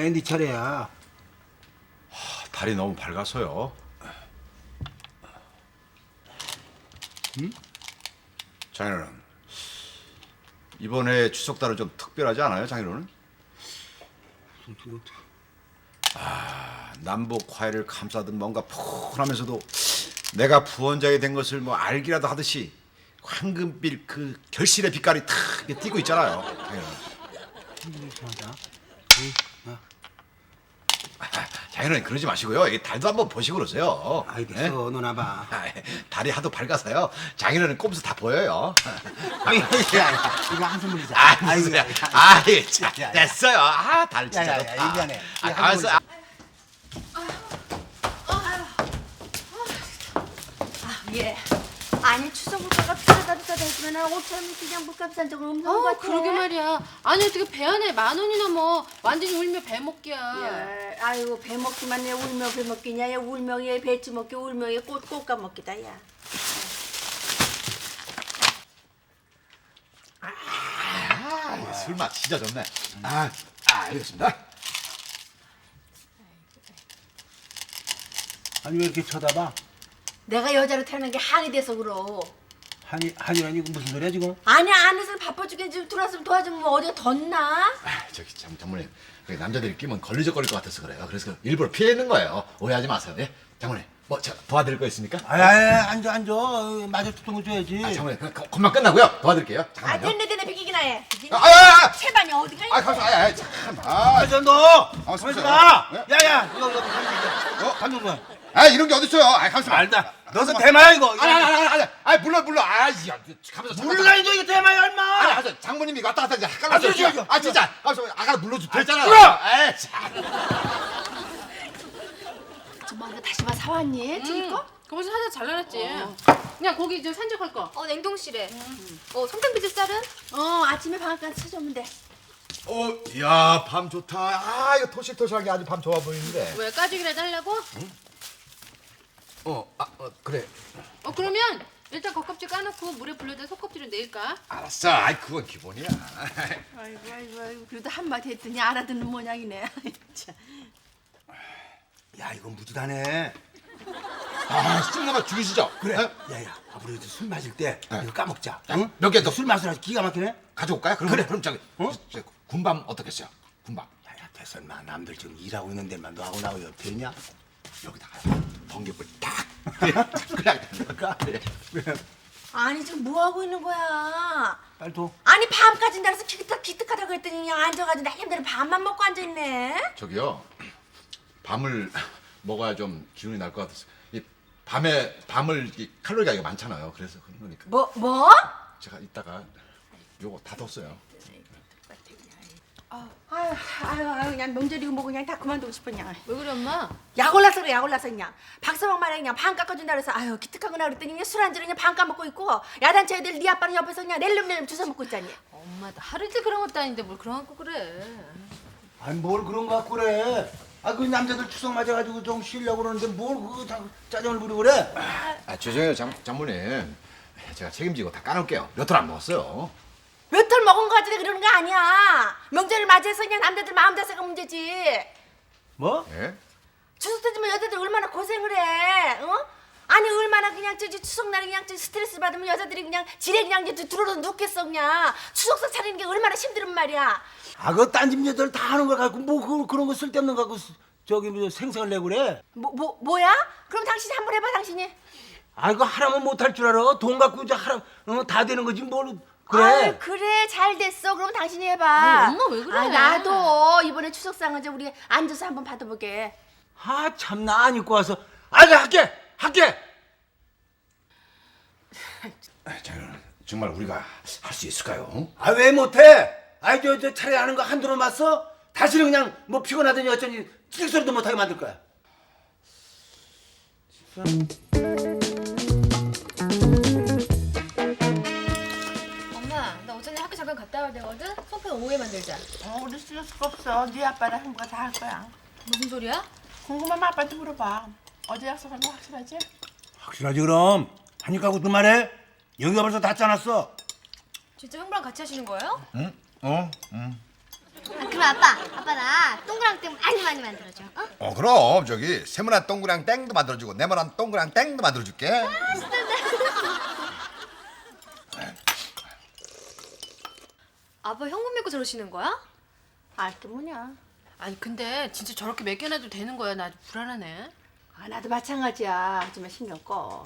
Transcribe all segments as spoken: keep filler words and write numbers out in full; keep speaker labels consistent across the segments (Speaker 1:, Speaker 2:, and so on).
Speaker 1: 이번엔 네 차례야.
Speaker 2: 달이 너무 밝아서요.
Speaker 1: 응?
Speaker 2: 장인어른, 이번에 추석달은 좀 특별하지 않아요, 장인어른? 아, 남북 화해를 감싸듯 뭔가 푸근하면서도 내가 부원장이 된 것을 뭐 알기라도 하듯이 황금빛 그 결실의 빛깔이 탁 이렇게 띄고 있잖아요, 장인어른.
Speaker 1: 맞아.
Speaker 2: 아, 장인어른 그러지 마시고요. 이 달도 한번 보시고 그러세요.
Speaker 1: 알겠어,
Speaker 2: 예?
Speaker 1: 너나 봐.
Speaker 2: 아, 달이 하도 밝아서요. 장인어른 꼼수 다 보여요.
Speaker 1: 아이, 야, 야, 이거 한 선물이자.
Speaker 2: 아, 무슨
Speaker 1: 아이고,
Speaker 2: 소리야. 아, 예, 자,
Speaker 1: 야, 야.
Speaker 2: 됐어요. 아, 달 진짜
Speaker 1: 야, 야, 야,
Speaker 2: 좋다.
Speaker 1: 미안해.
Speaker 2: 아,
Speaker 1: 이거 한
Speaker 2: 가만있어. 아,
Speaker 3: 예. 아니 추석 물가가 비싸다 비싸다 했으면 오천 그냥 물값 산 적은 없는 것
Speaker 4: 어,
Speaker 3: 같아.
Speaker 4: 그러게 말이야. 아니 어떻게 배 안에 만 원이나 뭐 완전히 울며 배 먹기야.
Speaker 3: 야, 아이고 배 먹기만 해 울며 배 먹기냐? 야 울며 얘 배추 먹기 울며 얘 꽃 꽃감 먹기다 야.
Speaker 2: 아, 술맛 진짜 좋네. 아, 아, 알겠습니다.
Speaker 1: 아니 왜 이렇게 쳐다봐?
Speaker 3: 내가 여자로 태어난 게 한이 돼서 그러.
Speaker 1: 한이 한이라니 이거 무슨 소리야 지금?
Speaker 3: 아니 안에서 바빠 죽겠는 지금 들어왔으면 도와주면 뭐 어디가 덧나?
Speaker 2: 아, 저기 장, 장모님, 여기 남자들이 끼면 걸리적거릴 것 같아서 그래요. 그래서 일부러 피해는 거예요. 오해하지 마세요. 예? 장모님, 뭐 저 도와드릴 거 있습니까?
Speaker 1: 아이, 아이, 앉아, 앉아. 마저 투통을 줘야지.
Speaker 2: 아, 장모님, 그냥 겉만 끝나고요. 도와드릴게요.
Speaker 3: 아
Speaker 2: 잠깐만요.
Speaker 3: 됐네 됐네 비기기나 해.
Speaker 2: 아, 아, 아, 아,
Speaker 3: 채반이 어디가
Speaker 2: 아,
Speaker 3: 있어?
Speaker 2: 가만, 아, 아, 참, 아,
Speaker 1: 맞아, 너.
Speaker 2: 아,
Speaker 1: 가만있어
Speaker 2: 진짜요?
Speaker 1: 봐.
Speaker 2: 네?
Speaker 1: 야야, 이거 이거 어, 감독 거.
Speaker 2: 아, 이런 게 어딨어요? 아, 가만있어.
Speaker 1: 알다. 너도 대마야 이거.
Speaker 2: 아니, 아니, 아니, 아니, 아니, 물론, 물론, 아, 야, 가면서
Speaker 1: 몰라 이거 이거 대마야 얼마?
Speaker 2: 아니, 하자. 장모님이 왔다 갔다 이제
Speaker 1: 아,
Speaker 2: 헷갈렸어요.
Speaker 1: 저기, 저기.
Speaker 2: 아, 진짜. 아, 저 아까 눌러줘 됐잖아.
Speaker 1: 끊어!
Speaker 2: 에이, 참.
Speaker 3: 뭐 이거 다시 마 사왔니? 튀길 거?
Speaker 4: 거기서 사자 잘라놨지. 그냥 고기 저 산적할 거.
Speaker 5: 어 냉동실에. 어 송편비지 쌀은?
Speaker 3: 어 아침에 방앗간 찾아오면 돼.
Speaker 2: 어, 야, 밤 좋다. 아, 이거 토실토실하게 아주 밤 좋아 보이는데.
Speaker 4: 왜 까죽이라도 하려고?
Speaker 2: 어, 아, 어, 그래.
Speaker 4: 어 그러면 일단 겉껍질 까놓고 물에 불려다 속껍질을 내일까?
Speaker 2: 알았어. 아이, 그건 기본이야.
Speaker 3: 아이고 아이고 아이고 그래도 한마디 했더니 알아듣는 모양이네. 참.
Speaker 1: 야 이거 무지다네.
Speaker 2: 아, 쑥나마 죽이시죠?
Speaker 1: 그래.
Speaker 2: 어?
Speaker 1: 야야, 앞으로 이제 술 마실 때
Speaker 2: 네.
Speaker 1: 이거 까먹자.
Speaker 2: 야,
Speaker 1: 응?
Speaker 2: 몇 개 더.
Speaker 1: 술 맛을 아주 기가 막히네.
Speaker 2: 가져올까요? 그럼,
Speaker 1: 그래.
Speaker 2: 그럼 저기,
Speaker 1: 어?
Speaker 2: 저, 군밤 어떻겠어요? 군밤.
Speaker 1: 야야, 됐어 인마. 남들 지금 일하고 있는 데만 너하고 나하고 옆에 있냐?
Speaker 2: 여기다가 번개불 딱. 그냥
Speaker 1: 그럴까?
Speaker 2: 그래.
Speaker 3: 아니 지금 뭐 하고 있는 거야?
Speaker 1: 빨리 둬.
Speaker 3: 아니 밤까지 나가서 기특 기특하다고 했더니 그냥 앉아가지고 나름대로 밥만 먹고 앉아 있네.
Speaker 2: 저기요. 밤을 먹어야 좀 기운이 날 것 같아서. 이 밤에 밤을 이 칼로리가 이게 많잖아요. 그래서 그런 거니까.
Speaker 3: 뭐 뭐?
Speaker 2: 제가 이따가 요거 다 뒀어요.
Speaker 3: 아유 아유 아유 그냥 명절이고 뭐고 그냥 다 그만두고 싶었냐.
Speaker 4: 왜 그래 엄마?
Speaker 3: 약 올라서 그래 약 올라서 그냥 박서방 말에 그냥 반 깎아준다 그래서 아유 기특하구나 그랬더니 그냥 술 안주로 그냥 반 까먹고 있고 야단치 애들 네 아빠는 옆에서 그냥 낼름낼름 주워 먹고 있잖니.
Speaker 4: 엄마 나 하루 이틀 그런 것도 아닌데 뭘 그런 거 갖고 그래.
Speaker 1: 아니 뭘 그런 거 갖고 그래. 아 그 남자들 추석 맞아가지고 좀 쉬려고 그러는데 뭘 그 짜증을 부리고 그래.
Speaker 2: 아, 죄송해요, 장, 장모님. 제가 책임지고 다 까놓을게요. 몇 톨 안 먹었어요.
Speaker 3: 몇 털 먹은 거 가지고 그러는 거 아니야. 명절을 맞이해서 그냥 남자들 마음 자세가 문제지.
Speaker 1: 뭐?
Speaker 2: 예?
Speaker 3: 추석 때지만 여자들 얼마나 고생을 해, 어? 아니 얼마나 그냥 저기 추석날에 그냥 저 스트레스 받으면 여자들이 그냥 지레 그냥 이제 들어서 눕겠어 그냥. 추석상 차리는 게 얼마나 힘들은 말이야.
Speaker 1: 아 그 딴집 여자들 다 하는 걸 갖고 뭐 그, 그런 거 쓸데없는 거 갖고 스- 저기 뭐 생생을 내고 그래.
Speaker 3: 뭐, 뭐, 뭐야? 그럼 당신이 한번 해봐 당신이.
Speaker 1: 아 이거 하라면 못할 줄 알아. 돈 갖고 이제 하라 어, 다 되는 거지 뭘 그래.
Speaker 3: 아유, 그래 잘 됐어. 그럼 당신이 해봐.
Speaker 4: 아유, 엄마 왜 그래?
Speaker 3: 아, 나도 이번에 추석상은 이제 우리 앉아서 한번 받아보게.
Speaker 1: 아 참나 안 입고 와서 아니 할게 할게.
Speaker 2: 장인어른, 정말 우리가 할 수 있을까요?
Speaker 1: 아 왜 못해? 아이 저 저 차례 하는 거 한두 번 맞어? 다시는 그냥 뭐 피곤하더니 어쩌니 찔소리도 못하게 만들 거야.
Speaker 5: 엄마 나 오전에 학교 잠깐 갔다 와야 되거든. 송편 오후에 만들자.
Speaker 6: 어, 우리 쓸 수가 없어. 네 아빠랑 형부가 다 할 거야.
Speaker 5: 무슨 소리야?
Speaker 6: 궁금하면 아빠한테 물어봐. 어제 약속한 거 확실하지?
Speaker 1: 확실하지 그럼. 하니까 그 말해. 여기가 벌써 다 짜놨어.
Speaker 5: 진짜 형부랑 같이 하시는 거예요?
Speaker 2: 응? 어? 응.
Speaker 7: 아, 그럼 아빠, 아빠 나 동그랑땡 많이 많이 만들어줘. 어?
Speaker 2: 어 그럼 저기 세모난 동그랑 땡도 만들어주고 네모난 동그랑 땡도 만들어줄게.
Speaker 5: 아빠 현금 믿고 저러시는 거야?
Speaker 3: 알게 뭐냐.
Speaker 4: 아니 근데 진짜 저렇게 맡겨놔도 되는 거야? 나 아주 불안하네.
Speaker 3: 아, 나도 마찬가지야. 하지만 신경 꺼.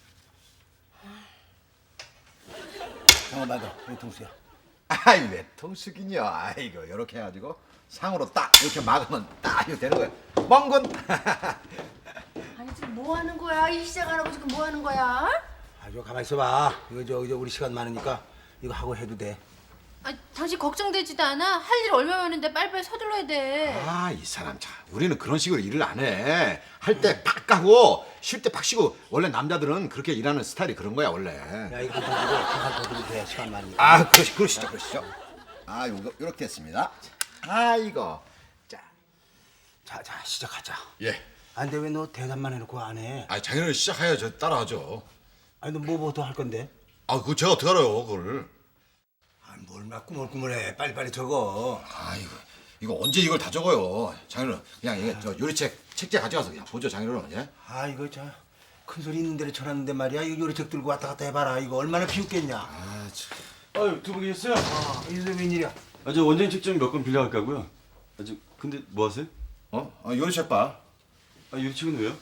Speaker 1: 잠깐만 더 통수야.
Speaker 2: 아이 왜 통수기냐. 아이고 이렇게 해가지고 상으로 딱 이렇게 막으면 딱 이렇게 되는 거야. 멍군.
Speaker 3: 아니 지금 뭐 하는 거야? 이 시작 안 하고 지금 뭐 하는 거야?
Speaker 1: 아저 가만 있어봐. 이거 저, 저 우리 시간 많으니까 이거 하고 해도 돼.
Speaker 4: 아 당신 걱정되지도 않아? 할 일 얼마 많은데 빨리빨리 서둘러야 돼.
Speaker 2: 아 이 사람 참 우리는 그런 식으로 일을 안 해. 할 때 팍 가고 쉴 때 팍 쉬고. 원래 남자들은 그렇게 일하는 스타일이 그런 거야 원래.
Speaker 1: 야 이거 좀 가지고 한번 더 드면 돼. 시간 많으니까.
Speaker 2: 아 그러시, 그러시죠 그러시죠. 아 요거 요렇게 됐습니다. 아 이거 자.
Speaker 1: 자, 자 시작하자.
Speaker 2: 예.
Speaker 1: 안 돼 왜 너 대답만 해놓고 안 해?
Speaker 2: 아 당연히 시작해야죠. 따라하죠.
Speaker 1: 아니 너 뭐부터 할 건데?
Speaker 2: 아 그거 제가 어떻게 알아요 그걸.
Speaker 1: 아, 뭘 막 꾸물꾸물해. 빨리빨리 적어.
Speaker 2: 아 이거 이거 언제 이걸 다 적어요. 장인어른 그냥 이게 저 요리책 책자 가져가서 그냥 보죠 장인어른. 예?
Speaker 1: 아 이거 저큰 소리 있는 데를 쳐놨는데 말이야. 이거 요리책 들고 왔다 갔다 해봐라. 이거 얼마나 비웃겠냐.
Speaker 2: 아 참.
Speaker 8: 아유, 두 분 계셨어요?
Speaker 1: 아, 이거 웬일이야?
Speaker 8: 아, 저 원장님 책 좀 몇 권 빌려갈까고요. 아, 저 근데 뭐 하세요?
Speaker 2: 어? 아, 요리책 봐.
Speaker 8: 아, 요리책은 왜요?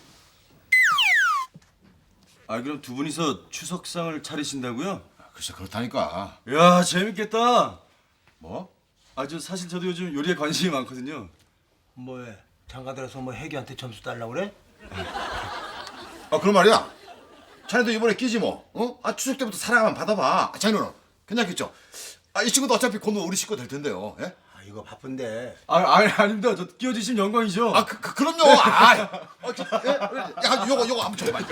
Speaker 8: 아, 그럼 두 분이서 추석상을 차리신다고요?
Speaker 2: 아, 글쎄 그렇다니까.
Speaker 8: 야, 재밌겠다.
Speaker 2: 뭐?
Speaker 8: 아, 저 사실 저도 요즘 요리에 관심이 많거든요.
Speaker 1: 뭐해? 장가들어서 뭐 해기한테 점수 달라고 그래?
Speaker 2: 아 그런 말이야. 자네도 이번에 끼지 뭐. 어? 아 추석 때부터 사랑 한번 받아봐. 아, 장인어른 괜찮겠죠? 아 이 친구도 어차피 곧 우리 식구 될 텐데요. 예?
Speaker 1: 아 이거 바쁜데.
Speaker 8: 아, 아니, 아닙니다. 저 끼워주시면 영광이죠.
Speaker 2: 아 그, 그, 그럼요. 아, 어, 저, 예? 야 요거 요거 한번 줘봐.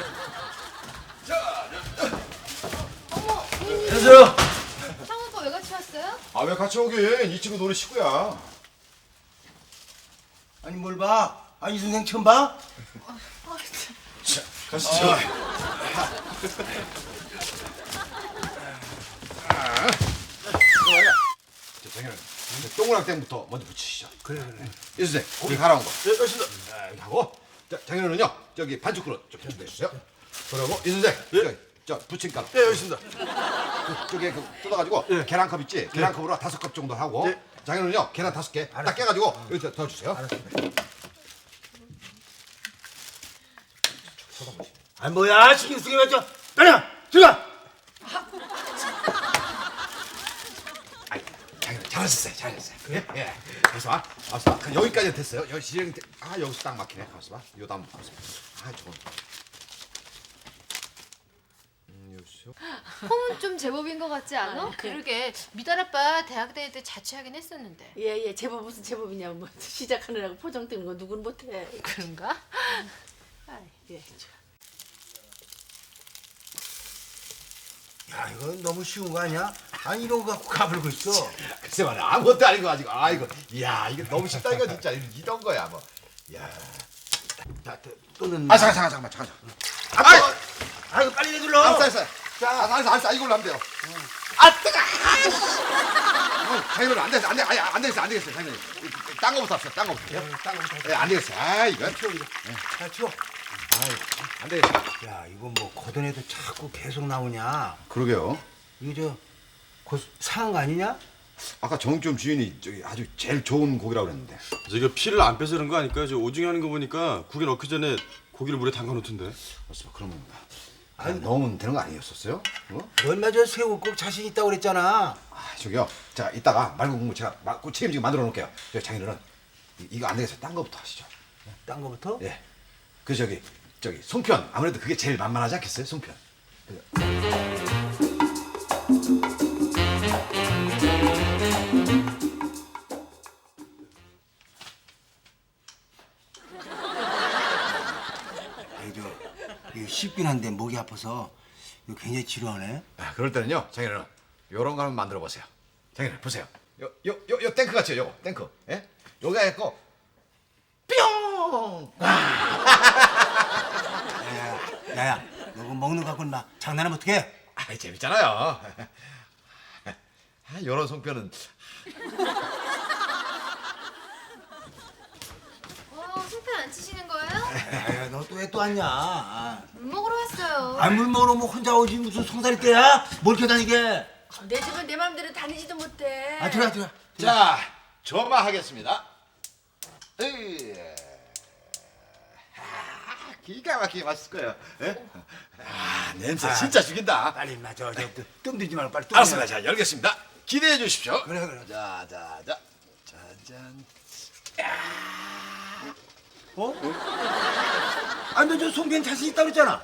Speaker 8: 안녕하세요.
Speaker 5: 상우 오빠 왜 같이 왔어요?
Speaker 2: 아 왜 같이 오긴. 이 친구도 우리 식구야.
Speaker 1: 아니 뭘 봐? 아 이 선생 처음 봐?
Speaker 2: 자, 가시죠. 자, 장인어른 동그랑땡부터 먼저 붙이시죠.
Speaker 1: 그래 그래.
Speaker 2: 이 선생 고기 갈아온 거. 예, 알겠습니다. 자, 이렇게 하고 자, 장인어른은요 저기 반죽 그릇 좀 준비해 주세요. 그리고 이 선생 저기 저 부침가루.
Speaker 8: 예, 알겠습니다.
Speaker 2: 저기 그 뜯어가지고 계란컵 있지? 계란컵으로 다섯 컵 정도 하고
Speaker 8: 예.
Speaker 2: 장인어른요 계란 다섯 개 딱 깨가지고 여기 더 주세요.
Speaker 1: 아 뭐야 신경 쓰게 맞죠? 빨리 들어가.
Speaker 2: 아이, 장인어른 잘하셨어요, 잘하셨어요. 그래? 예. 가서 봐, 가서 봐. 여기까지 됐어요. 여기 진행 아 여기서 딱 막히네. 가서 봐. 요 다음 가서. 아 저거. 음, 요쇼.
Speaker 5: 폼은 좀 제법인 것 같지 않아?
Speaker 4: 그러게 미달 아빠 대학 다닐 때 자취하긴 했었는데.
Speaker 3: 예예 제법 무슨 제법이냐. 뭐 시작하느라고 포장 뜨는 거 누군 못해.
Speaker 4: 그런가?
Speaker 3: 아, 예.
Speaker 1: 야 이거 너무 쉬운 거 아니야? 아니 이런 거 갖고 가불고 있어.
Speaker 2: 글쎄 말이야 아무것도 아니고 가지고 아 이거 이야 이게 너무 쉽다 이거 진짜 이런 거야 뭐. 야.
Speaker 1: 자 또, 또는.
Speaker 2: 아 잠깐 잠깐 잠깐 잠깐.
Speaker 1: 아, 아, 아 이거 빨리 해둘러.
Speaker 2: 알았어 알았어. 자 알았어 알았어, 알았어 이걸로 하면 돼요. 아 뜨거. 아, 장인어른 안 되겠어 안 돼. 아니 안 되겠어 안 되겠어 장인어른. 딴 거부터 합시다 딴 거부터.
Speaker 1: 딴 거부터.
Speaker 2: 예, 안 되겠어. 아 이거.
Speaker 1: 치워 이거. 자 치워.
Speaker 2: 안 되겠어.
Speaker 1: 야 이거 뭐 걷어내도 자꾸 계속 나오냐?
Speaker 2: 그러게요.
Speaker 1: 이거 저곧 상한 거 아니냐?
Speaker 2: 아까 정육점 주인이 저기 아주 제일 좋은 고기라고 그랬는데.
Speaker 8: 저기 피를 안 빼서 그런 거 아닐까요? 저 오징어 하는 거 보니까 국에 넣기 전에 고기를 물에 담가 놓던데.
Speaker 2: 벌써 그러면 아, 넣으면 되는 거 아니었었어요? 어?
Speaker 1: 너 얼마 전 새우 꼭 자신 있다고 그랬잖아.
Speaker 2: 아 저기요. 자 이따가 말고 국물 제가 마, 그 책임지고 만들어 놓을게요. 저 장인어른 이- 이거 안 되겠어요. 딴 거부터 하시죠.
Speaker 1: 딴 거부터?
Speaker 2: 예. 그 저기 저기 송편 아무래도 그게 제일 만만하지 않겠어요? 송편.
Speaker 1: 아이 저 이거 쉽긴 한데 목이 아파서 이거 굉장히 지루하네.
Speaker 2: 아, 그럴 때는요, 장인어른 요런 거 한번 만들어 보세요. 장인어른 보세요. 요 요 요 요 탱크 같죠, 요거 탱크. 예? 요거 해갖고 뿅.
Speaker 1: 야야 야야 너 그거 먹는 거 갖고는 막 장난하면 어떡해?
Speaker 2: 아 재밌잖아요. 아, 요런 송편은
Speaker 5: 안 치시는 거예요?
Speaker 1: 에이, 너 또 왜 또 왔냐? 아,
Speaker 5: 물 먹으러 왔어요.
Speaker 1: 아, 물 먹으러 뭐 혼자 오지 무슨 송사리 때야? 뭘 이렇게 다니게?
Speaker 3: 내 집은 내 맘대로 다니지도 못해.
Speaker 1: 아, 들어와, 들어와.
Speaker 2: 자, 점화하겠습니다. 으이. 아, 기가 막히게 맛있을 거예요. 예? 아, 냄새 진짜 죽인다.
Speaker 1: 빨리 임마, 저, 저, 뜸 들지 말고 빨리 뜸.
Speaker 2: 알았습니다. 자, 열겠습니다. 기대해 주십시오.
Speaker 1: 그래, 그래.
Speaker 2: 자, 자, 자. 짜잔.
Speaker 1: 어? 아, 너 저 송편 자신 있다 그랬잖아.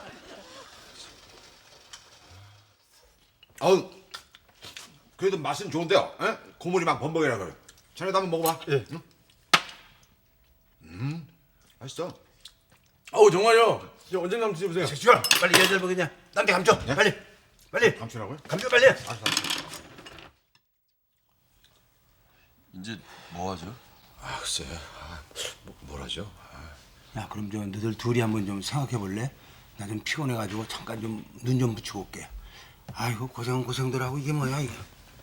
Speaker 2: 어우, 그래도 맛은 좋은데요. 예? 고물이 막 범벅이라 그래. 자네도 한번 먹어봐.
Speaker 8: 예.
Speaker 2: 응? 음, 맛있어.
Speaker 8: 어우 정말요. 이제 언제 한번 드셔보세요.
Speaker 1: 주아, 빨리 얘들 먹이냐? 남대 감춰. 빨리, 빨리.
Speaker 2: 감추라고요?
Speaker 1: 감춰 빨리.
Speaker 8: 이제 뭐 하죠?
Speaker 2: 아, 글쎄. 아, 뭐, 뭘 하죠?
Speaker 1: 야, 그럼 저 너들 둘이 한번 좀 생각해 볼래? 나 좀 피곤해가지고 잠깐 좀 눈 좀 붙이고 올게. 아이고 고생 고생들 하고 이게 뭐야 이게?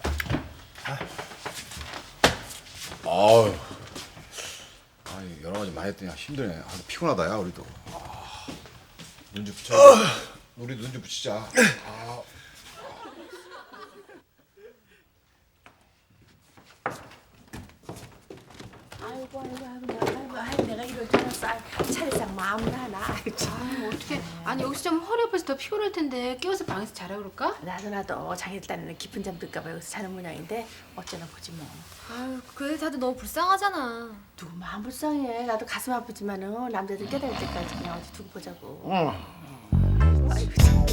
Speaker 2: 아유. 아니, 여러 가지 많이 했더니 힘드네. 아, 피곤하다, 야, 우리도. 아, 눈 좀 붙여. 우리 눈 좀 붙이자. 아.
Speaker 3: 아이고 아이고 아이고 아이고 아이고 내가 이럴 줄 알았어. 아이, 차례상 마음을 하나. 아이고 참.
Speaker 4: 아, 어떻게? 아니 여기서 좀 허리 아파서 더 피곤할 텐데 깨워서 방에서 자라 그럴까?
Speaker 3: 나도 나도 자기 딴에는 깊은 잠 들까봐 여기서 자는 모양인데 어쩌나 보지 뭐.
Speaker 5: 아유, 그 다들 너무 불쌍하잖아.
Speaker 3: 누구 마음 불쌍해. 나도 가슴 아프지만은 남자들 깨달을 때까지 그냥 어디 두고 보자고. 아이고 참.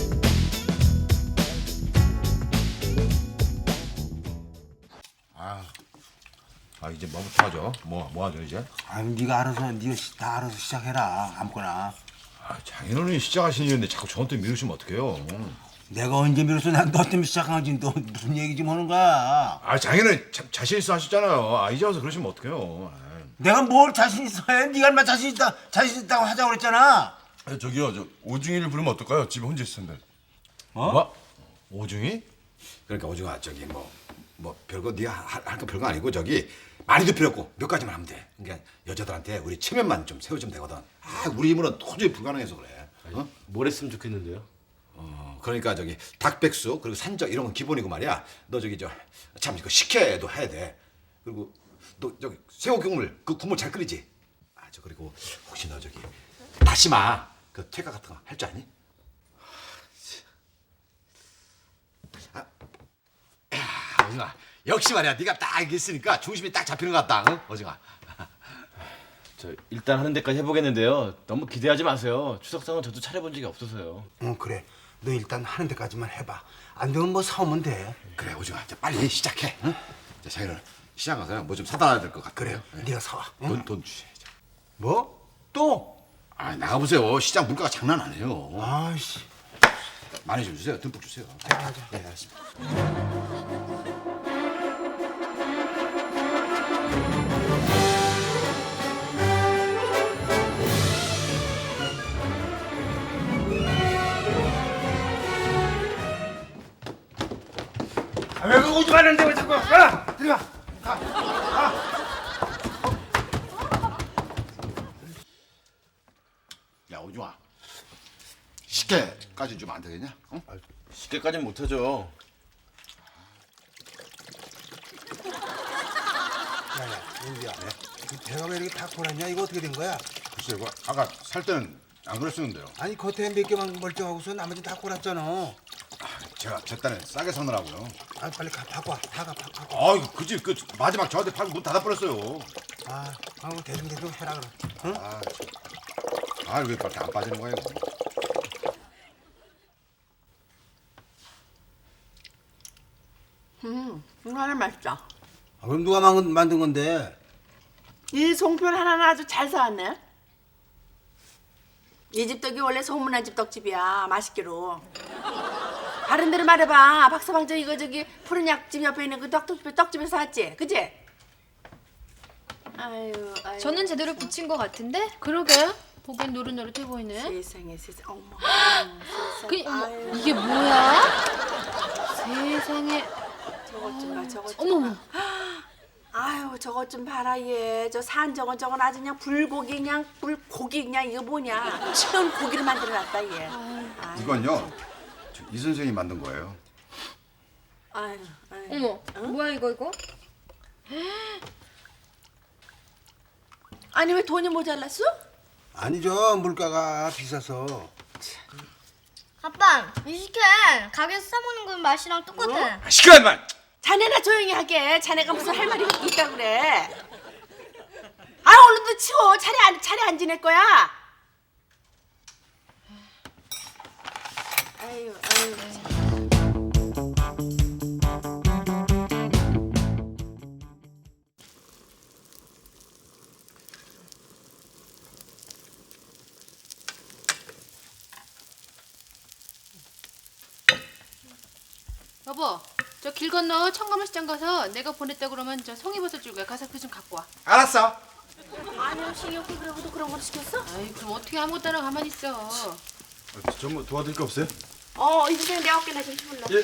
Speaker 2: 아, 이제 뭐부터 하죠? 뭐, 뭐 하죠, 이제?
Speaker 1: 아니 네가 알아서 네가 시- 다 알아서 시작해라 아무거나.
Speaker 2: 아, 장인어른이 시작하신 일인데 자꾸 저한테 미루시면 어떡해요?
Speaker 1: 내가 언제 미뤘어? 난 너 때문에 시작한 거지. 너 무슨 얘기 좀 하는 거야?
Speaker 2: 아, 장인어른 자, 자신 있어 하셨잖아요. 아, 이제 와서 그러시면 어떡해요? 아.
Speaker 1: 내가 뭘 자신 있어 해? 네가 얼마 자신 있다 자신 있다고 하자고 그랬잖아.
Speaker 8: 아, 저기요, 저 오중이를 부르면 어떨까요? 집에 혼자 있을 텐데.
Speaker 1: 어?
Speaker 2: 뭐? 오중이? 그러니까 오중아, 저기 뭐, 뭐 별거 네가 할 거 별거 아니고 저기 많이도 필요 없고 몇 가지만 하면 돼. 그러니까 여자들한테 우리 체면만 좀 세워주면 되거든. 아, 우리 힘으로는 도저히 불가능해서 그래. 어?
Speaker 9: 뭘 했으면 좋겠는데요?
Speaker 2: 어, 그러니까 저기 닭백숙 그리고 산적 이런 건 기본이고 말이야. 너 저기 저 참 이거 식혜도 해야 돼. 그리고 너 저기 새우 국물 그 국물 잘 끓이지. 아, 저 그리고 혹시 너 저기 다시마 그 퇴가 같은 거 할 줄 아니? 아, 야, 오징아 역시 말이야. 네가 딱 이렇게 있으니까 중심이 딱 잡히는 것 같다. 응? 오징아.
Speaker 9: 저 일단 하는 데까지 해보겠는데요. 너무 기대하지 마세요. 추석상은 저도 차려본 적이 없어서요.
Speaker 1: 응 그래. 너 일단 하는 데까지만 해봐. 안 되면 뭐 사오면 돼.
Speaker 2: 그래 오징아, 이제 빨리 시작해. 응? 자, 자기는 시장 가서 뭐 좀 사다 될 것 같아.
Speaker 1: 그래. 네가 사와. 응?
Speaker 2: 돈, 돈 주셔야죠.
Speaker 1: 뭐? 또?
Speaker 2: 아, 나가보세요. 시장 물가가 장난 아니에요.
Speaker 1: 아이씨.
Speaker 2: 많이 좀 주세요. 듬뿍 주세요.
Speaker 1: 자, 자.
Speaker 2: 네, 알았습니다.
Speaker 1: 아, 왜 그거 오지 말는데 왜 자꾸 가? 들어가.
Speaker 2: 야, 오징아. 식혜까지 주면 안 되겠냐? 응?
Speaker 9: 쉽게까지는 못하죠.
Speaker 1: 야야, 윤기야. 이 배가 왜 이렇게 다 고랐냐? 이거 어떻게 된 거야?
Speaker 2: 글쎄, 그 아까 살 때는 안 그랬었는데요.
Speaker 1: 아니 겉에 몇 개만 멀쩡하고서 나머지 다 골았잖아.
Speaker 2: 제가 제 딴에 싸게 사느라고요.
Speaker 1: 아 빨리 가 갖고 와. 다 가, 가, 갖고.
Speaker 2: 아이고, 그 집 그 마지막 저한테 팔고 문 닫아버렸어요.
Speaker 1: 아, 아, 대충 대충 해라 그럼. 응?
Speaker 2: 아, 참. 아, 왜 그렇게 안 빠지는 거야 이거?
Speaker 6: 음, 이거 하나 맛있다.
Speaker 1: 아, 그럼 누가 만, 만든 건데?
Speaker 6: 이 송편 하나는 아주 잘 사왔네.
Speaker 3: 이 집 떡이 원래 소문난 집 떡집이야. 맛있기로. 다른 데로 말해봐. 박서방 저 이거 저기 푸른 약집 옆에 있는 그 떡집에 떡집에서 샀지, 그지? 아유, 아유.
Speaker 5: 저는 제대로 붙인 것 같은데?
Speaker 4: 그러게. 보기엔 노릇노릇해 보이네.
Speaker 3: 세상에 세상. 어머.
Speaker 4: 그
Speaker 3: 세상에. 아유,
Speaker 4: 이게 뭐야? 세상에.
Speaker 3: 저것 좀 봐, 저것 좀.
Speaker 4: 어머.
Speaker 6: 아유 저것 좀 봐라 얘. 저 산정은 저건 아주 그냥 불고기 그냥 불고기 그냥 이거 뭐냐. 치는 고기를 만들어놨다 얘. 아유,
Speaker 2: 이건요 저이 선생이 만든 거예요.
Speaker 6: 아유, 아유.
Speaker 5: 어머, 뭐야 이거 이거?
Speaker 6: 아니 왜 돈이 모자랐어?
Speaker 1: 아니죠, 물가가 비싸서.
Speaker 7: 아빠 이 식혜 가게에서 사 먹는 건 맛이랑 똑같아.
Speaker 2: 아, 시끄러운 말.
Speaker 6: 자네나 조용히 하게. 자네가 무슨 할 말이 있다 그래. 아 얼른 또 치워. 차례 안 차례 안 지낼 거야. 아유 아유.
Speaker 4: 여보, 저 길 건너 청가물 시장 가서 내가 보냈다 그러면 저 송이버섯 줄거야. 가서 그 좀 갖고 와.
Speaker 2: 알았어.
Speaker 6: 아니요 신경 쓰 그러고도 그런 걸 시켰어?
Speaker 4: 아이 그럼 어떻게 아무것도 안 하고 가만히 있어.
Speaker 8: 아, 좀 도와드릴 거 없어요?
Speaker 6: 어 이제 내 어깨나 좀 불러.
Speaker 8: 예.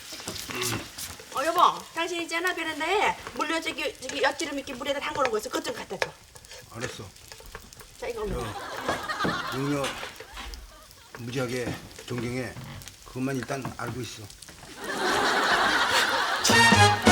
Speaker 6: 어 여보, 당신 있잖아 베란다에 물려 저기 저기 엿지름 있게 물에다 담궈놓은 거 있어. 그것 좀 갖다 줘.
Speaker 1: 알았어.
Speaker 6: 자 이거 올려.
Speaker 1: 용녀 무지하게 존경해. 그것만 일단 알고 있어.